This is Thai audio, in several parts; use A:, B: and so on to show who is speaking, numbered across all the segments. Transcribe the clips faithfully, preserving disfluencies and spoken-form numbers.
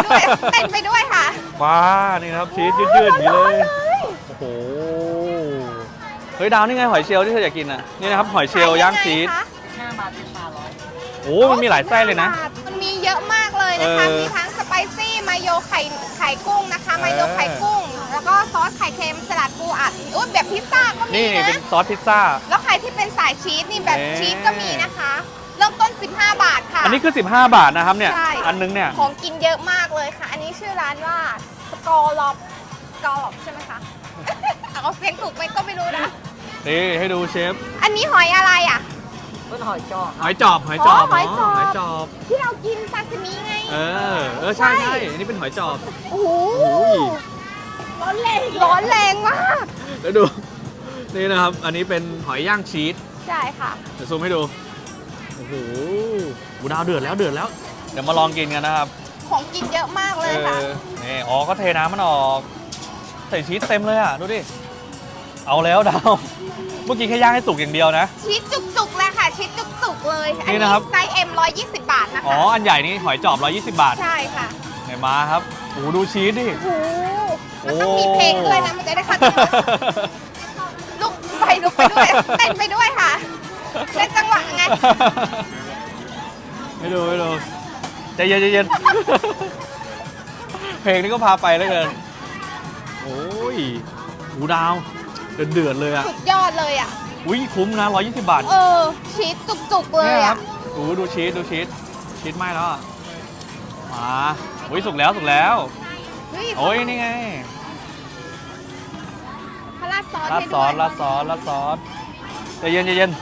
A: ด้วยเต้นไปด้วยค่ะ
B: ว้านี่นะครับชีสยืดๆอย่างนี้เลยโอ้โหเฮ้ยดาวนี่ไงหอยเชลล์ที่เธออยากกินอ่ะนี่นะครับหอยเชลล์ย่างชีส
C: ห้าบาทสิบบาทร้อย
B: โอ้มันมีหลายไส้เลยนะ
A: มันมีเยอะมากเลยนะคะมีทั้งสไปซี่มายโยไข่ไข่กุ้งนะคะมายโยไข่กุ้งแล้วก็ซอสไข่เค็มสลัดปูอัดอุ้ยแบบพิซซ่าก็มีนะ
B: นี่เป็นซอสพิซซ่า
A: แล้วใครที่เป็นสายชีสนี่แบบชีสก็มีนะคะเริ่มต้นสิบห้าบาทค่ะ
B: อันนี้คือสิบห้าบาทนะครับเนี่ยอันนึงเนี่ย
A: ของกินเยอะมากเลยค่ะอันนี้ชื่อร้านว่าสกอร์ล็อบสกอร์ล็อบใช่ไหมคะเอาเสียงถูกไหมก็ไม่รู้นะ
B: นี่ให้ดูเชฟ
A: อันนี้หอยอะไรอ่ะ
C: เป็นหอยจอบ
B: หอยจอบหอยจอบ
A: หอยจอบ
B: หอยจอบ
A: ที่เรากินซาซิมิไง
B: เออเออใช่ใช่อันนี้เป็นหอยจอบ
A: โอ้โหร้อนแรงร้อนแรงมาก
B: แล้วดูนี่นะครับอันนี้เป็นหอยย่างชีส
A: ใช่ค่ะ
B: เดี๋ยวซูมให้ดูโอ้โหบูดาวเดือดแล้วเดือดแล้วเดี๋ยวมาลองกินกันนะครับ
A: ของกินเยอะมากเลยค่ะ
B: นี่อ๋อก็เทน้ำมันออกใส่ชีสเต็มเลยอ่ะดูดิเอาแล้วดาวเมื่อกี้แค่ย่างให้สุกอย่างเดียวนะ
A: ชีสจุกๆเลยค่ะชีสจุกๆเลยอันนี้ไซส์ เอ็ม ร้อยยี่สิบบาทนะคะ
B: อ๋ออันใหญ่นี่หอยจอบหนึ่งร้อยยี่สิบบาท
A: ใช่ค่ะ
B: ไหนมาครับโอ้ดูชีสดิ
A: โอ้มันต้องมีเพลงด้วยนะมันจะได้คัดลุกไปลุกไปด้วยเต้นไปด้วยค่ะเต้นจังหวะไง
B: ให้ดูให้ดูใจเย็นใจเย็นเพลงนี้ก็พาไปแล้วเกินโอ้ยหูดาวเดือดเดือดเลยอ่ะ
A: สุดยอดเลยอ่ะ
B: อุ้ยคุ้มนะหนึ่งร้อยยี่สิบบาท
A: เออชีสจุกๆเลยอ่ะ
B: โอ้ดูชีสดูชีสชีสไหม้แล้วอ่ะมาอุ้ยสุกแล้วสุกแล้วโอ้ยนี่ไง
A: ราดซอส
B: ราดซอสราดซอสราดซอสใจเย็นใจเย็น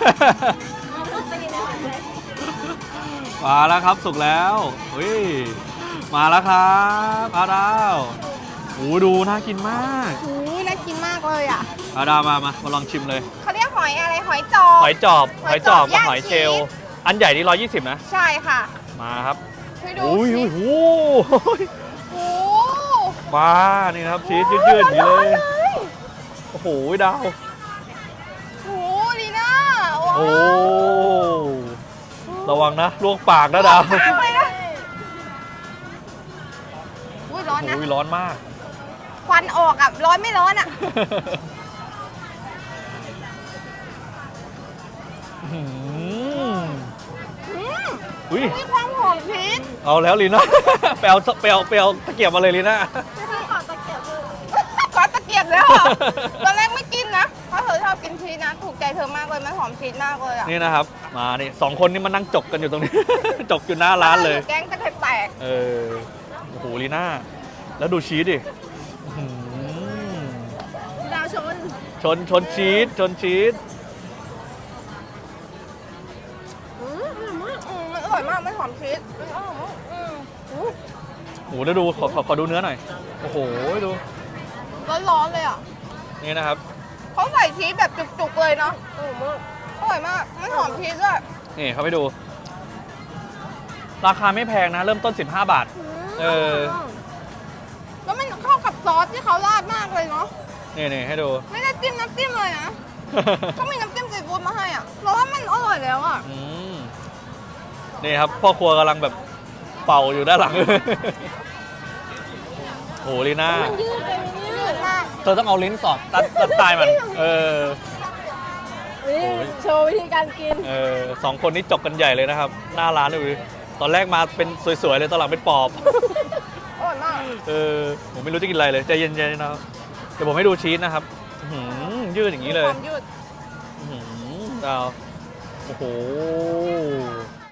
B: มาแล้วครับสุกแล้วเฮ้ยมาแล้วครับอาดาวโอ้ดูน่ากินมาก
A: โอ้น่ากินมากเลยอ่ะ
B: อาดาวมามามาลองชิมเลย
A: เขาเรียกหอยอะไรหอยจอบ
B: หอยจอบหอยจอบกับหอยเชลล์อันใหญ่นี่หนึ่งร้อยยี่สิบนะ
A: ใช่ค่ะ
B: มาครับ
A: โอ้
B: ยโอ้โห
A: โอ้
B: มานี่นะครับชีสยืดๆอย่างนี้เลยโอ้โหดาว
A: โอ้ดีนะ
B: โอ้ระวังนะลวกปากนะดาว
A: อุ้ยร้อนนะ
B: อุ้ยร้อนมาก
A: ควันออกอ่ะร้อนไม่ร้อนอ่ะ
B: อุ้ย
A: มีความหอมชีส
B: เอาแล้วลีน่าเปลวเปลวเปลวตะเกียบมาเลยลีน่า
A: ขอตะเกียบขอตะเกียบแล้วตอนแรกไม่กินนะเพราะเธอชอบกินชีสนะถูกใจเธอมากเลยมันหอมชีสมากเลยอ่ะ
B: นี่นะครับมานี่สองคนนี่มานั่งจกกันอยู่ตรงนี้จกอยู่หน้าร้านเลย
A: แกงจะแตก
B: เออโอ้โหลีน่าแล้วดูชีสดิ
A: ดาวชน
B: ชนชนชีสชนชีส
A: อร่อยมากไม่หอมชีส
B: โอ้โหเดี๋ยวดูขอขอขอดูเนื้อหน่อยโอ้โหดู
A: ร้อนๆเลยอ่ะ
B: นี่นะครับ
A: เขาใส่ชีสแบบจุกๆเลยเนาะอร่อยมากไม่หอมชีสด้วย
B: นี่เขาไปดูราคาไม่แพงนะเริ่มต้นสิบห้าบาทเออ
A: แล้วมันเข้ากับซอสที่เขาราดมากเลยเนาะ
B: นี่นี่ให้ดู
A: ไม่ได้จิ้มน้ำจิ้มเลยนะเขามีน้ำจิ้มซีฟู้ดมาให้อ่ะเพราะว่ามันอร่อยแล้วอ่ะ
B: นี่ครับพ่อครัวกำลังแบบเป่าอยู่ด้านหลังโหลีน่า
A: ยืดเลยยืดมาก
B: เธอต้องเอาลิ้นสอดตัดตัดตายมันเออ
A: โชว์วิธีการกิน
B: เออสองคนนี้จกกันใหญ่เลยนะครับหน้าร้านเลยตอนแรกมาเป็นสวยๆเลยตอนหลังเป็นปอบ
A: อร่อยมาก
B: เออผมไม่รู้จะกินอะไรเลยใจเย็นๆนะครับเดี๋ยวผมให้ดูชีสนะครับยืดอย่างนี้เลย
A: ความยืด
B: ดาวโอ้โห